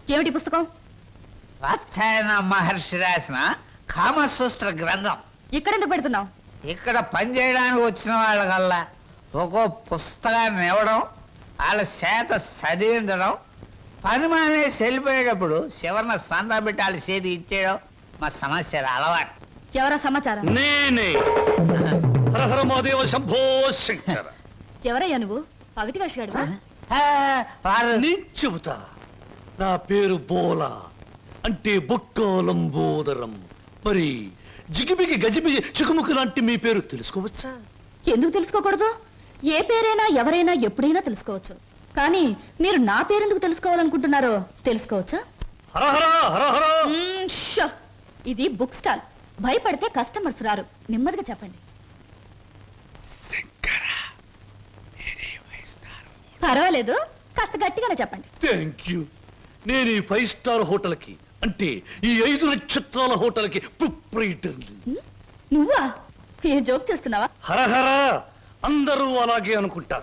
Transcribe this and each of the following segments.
ఏమిటి పుస్తకం? వాత్సాయన మహర్షి రాసిన కామసూత్ర గ్రంథం. ఇక్కడెందుకు పెడుతున్నావు? ఇక్కడ పని చేయడానికి వచ్చిన వాళ్ళకల్లా ఒక్కో పుస్తకాన్ని ఇవ్వడం, వాళ్ళ చేత చదివించడం, పని మానేసి వెళ్ళిపోయేటప్పుడు చివరిన సందా పెట్టి వాళ్ళ చేతి ఇచ్చేయడం మా సమస్య అలవాటు. ఎవరా సమాచారం? నేనే హరహర మహాదేవ శంభో శంకర. ఎవరయ్యా నువ్వు? పగటి వేషగాడువా? వారు నేను చెబుతా. నా పేరు బోలా, అంటే బొక్కాలంబోదరం. మరి జిగిబిగి గజిబిగి చికుముకు లాంటి మీ పేరు తెలుసుకోవచ్చా? ఎందుకు తెలుసుకోకూడదు? ఏ పేరైనా ఎవరైనా ఎప్పుడైనా తెలుసుకోవచ్చు. కానీ మీరు నా పేరెందుకు తెలుసుకోవాలనుకుంటున్నారో తెలుసుకోవచ్చా? హరహర హరహర. షో! ఇది బుక్ స్టాల్. భయపడితే కస్టమర్స్ రారు. నెమ్మదిగా చెప్పండి. పర్వాలేదు, కాస్త గట్టిగానే చెప్పండి. Thank you. నేను ఈ 5 స్టార్ హోటల్కి, అంటే ఈ 5 నక్షత్రాల హోటల్కి ప్రొప్రైటర్ని. నువ్వా? ఏ జోక్ చేస్తున్నావా? హరహర. అందరూ అలాగే అనుకుంటారు.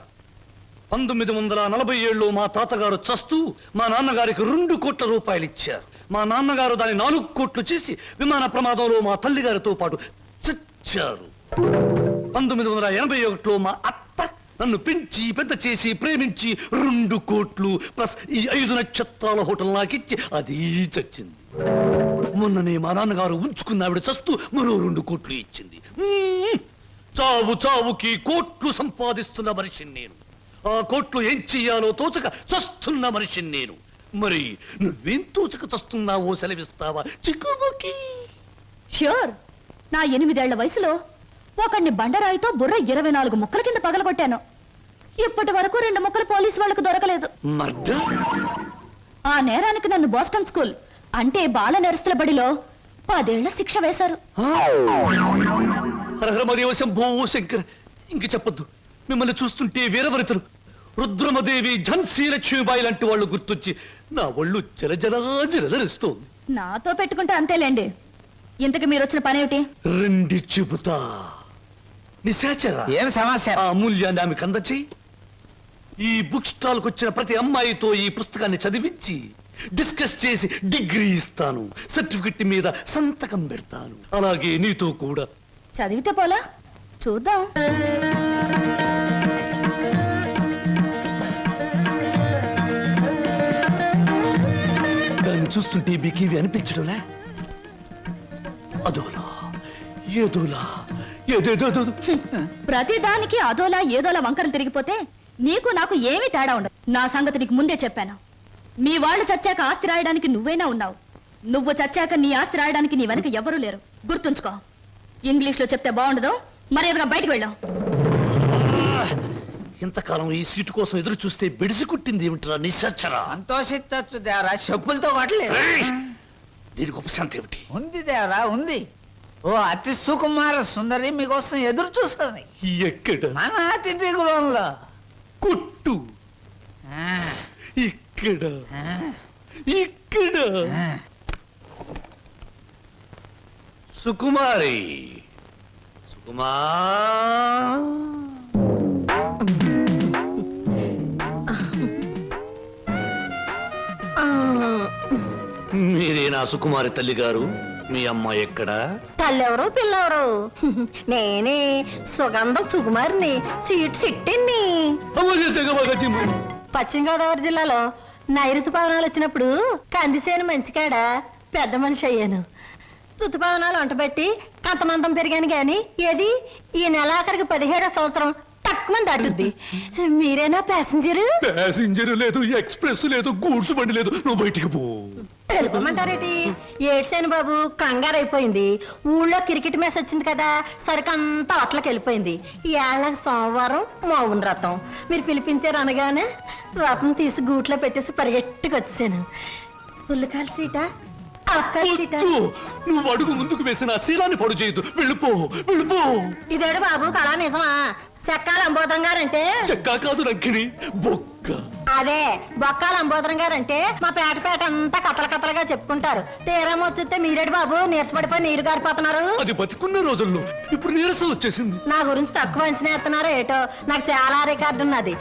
1947లో మా తాతగారు చస్తూ మా నాన్నగారికి 2 కోట్ల రూపాయలు ఇచ్చారు. మా నాన్నగారు దాన్ని 4 కోట్లు చేసి విమాన ప్రమాదంలో మా తల్లిగారితో పాటు చచ్చారు. 1981లో మా అత్త నన్ను పెంచి పెద్ద చేసి ప్రేమించి 2 కోట్లు ప్లస్ ఈ 5 నక్షత్రాల హోటల్ నాకిచ్చి అది చచ్చింది. మొన్ననే మా నాన్నగారు ఉంచుకున్న ఆవిడ చస్తూ మరో 2 కోట్లు ఇచ్చింది. చావు చావుకి కోట్లు సంపాదిస్తున్న మనిషిని నేను. ఆ కోట్లు ఏం చెయ్యాలో తోచక చస్తున్న మనిషిని నేను. మరి నువ్వేం తోచక చస్తున్నావో సెలవిస్తావా చిక్కుముకి? ష్యూర్. నా 8 ఏళ్ల వయసులో ఒకడిని బండరాయితో బుర్ర 24 ముక్కల కింద పగలగొట్టాను. ఇప్పటి వరకు 2 ముక్కలు పోలీసు వాళ్ళకు దొరకలేదు. ఆ నేరానికి నన్ను బోస్టన్ స్కూల్, అంటే బాల నెరస్తుల బడిలో 10 ఏళ్ల శిక్ష వేశారు. హరహరమదేవ శంభో శంకర్. ఇంక చెప్పొద్దు. మిమ్మల్ని చూస్తుంటే వీరవరితలు రుద్రమదేవి, ఝన్సీ లక్ష్మీబాయి లాంటి వాళ్ళు గుర్తొచ్చి నా ఒళ్ళు జలజలస్తోంది. నాతో పెట్టుకుంటే అంతేలేండి. ఇంతకు మీరు వచ్చిన పనేమిటి? రండి చెబుతా. నిశాచర, ఏం సమస్య? ఆ అమూల్యాన్ని ఆమెకు అందచేయి. ఈ బుక్ స్టాల్ కు వచ్చిన ప్రతి అమ్మాయితో ఈ పుస్తకాన్ని చదివించి డిస్కస్ చేసి డిగ్రీ ఇస్తాను. సర్టిఫికెట్ మీద సంతకం పెడతాను. అలాగే నీతో కూడా. చదివితే పోలా? చూద్దాం. దాన్ని చూస్తుంటే మీకేవి అనిపించడంలే? అదోలా ఏదోలా ఏదేదో. ప్రతి దానికి అదోలా ఏదోలా వంకరలు తిరిగిపోతే నీకు నాకు ఏమీ తేడా ఉండదు. నా సంగతి నీకు ముందే చెప్పాను. మీ వాళ్ళు చచ్చాక ఆస్తి రాయడానికి నువ్వైనా ఉన్నావు. నువ్వు చచ్చాక నీ ఆస్తి రాయడానికి నీ వెనక ఎవరూ లేరు. గుర్తుంచుకో. ఇంగ్లీష్ లో చెప్తే బాగుండదు. మర్యాదగా బయటకు వెళ్ళాం. ఇంతకాలం ఈ సీటు కోసం ఎదురు చూస్తే బెడిసి కుట్టింది ఏమిట్రా నిశాచరా? సంతోషించచ్చు దేవరా, చెప్పులతో కొట్టలేదు. దీనికి ఉపశాంతి ఏమిటి? ఉంది దేవరా, ఉంది. ఓ అతి సుకుమార సుందరి మీకోసం ఎదురు చూస్తుంది. ఎక్కడ? మన అతిథి గృహంలో. కొట్టు. ఇక్కడ ఇక్కడ. సుకుమారి, సుకుమా. మీరేనా సుకుమారి తల్లి గారు? మీ అమ్మాయి ఎక్కడా? తల్లెవరు పిల్లెవరు? నేనే సుగంధం సుకుమారిని, సీట్ సిట్టిని. పశ్చిమ గోదావరి జిల్లాలో నైరుతు పవనాలు వచ్చినప్పుడు కందిసేను మంచికాడ పెద్ద మనిషి అయ్యాను. ఋతుపవనాలు వంటబెట్టి కంతమందం పెరిగాను గాని ఏది ఈ నెలాఖరికి 17వ సంవత్సరం తక్కువ దాటుద్ది. మీరేనా ప్యాసింజర్? ప్యాసింజర్ లేదు, ఎక్స్ప్రెస్ లేదు, గూడ్స్ బండి లేదు. నువ్వు బయటికి పో. తెలుపమంటారేటి? ఏడ్సేను బాబు, కంగారు అయిపోయింది. ఊళ్ళో క్రికెట్ మ్యాచ్ వచ్చింది కదా, సరికంతా అట్లకి వెళ్ళిపోయింది. ఏళ్ళకి సోమవారం మౌన రథం. మీరు పిలిపించారు అనగానే రథం తీసి గూట్లో పెట్టేసి పరిగెట్టుకు వచ్చాను. పుల్లకాల సీట, అక్కల సీట. నువ్వు అడుగు ముందుకు వేసిన శీలాన్ని పొడు చేయదు. వెళ్ళిపో, వెళ్ళిపో. ఇదేడు బాబు కళా నిజమా? చెక్కాల అంబోధం గారంటే చెక్కా కాదు రంకిణి, బొక్క. అదే బొక్కాల అంబోధరం గారంటే మా పేట అంతా కథల కథలుగా చెప్పుకుంటారు. తీరం వచ్చితే మీరేడు బాబు నీరసపడిపోయి నీరు గారిపోతున్నారు. అది బతికున్న రోజుల్లో, ఇప్పుడు నీరసం వచ్చేసింది. నా గురించి తక్కువ అంచనా ఎత్తున్నారో ఏటో. నాకు చాలా రికార్డు ఉన్నది.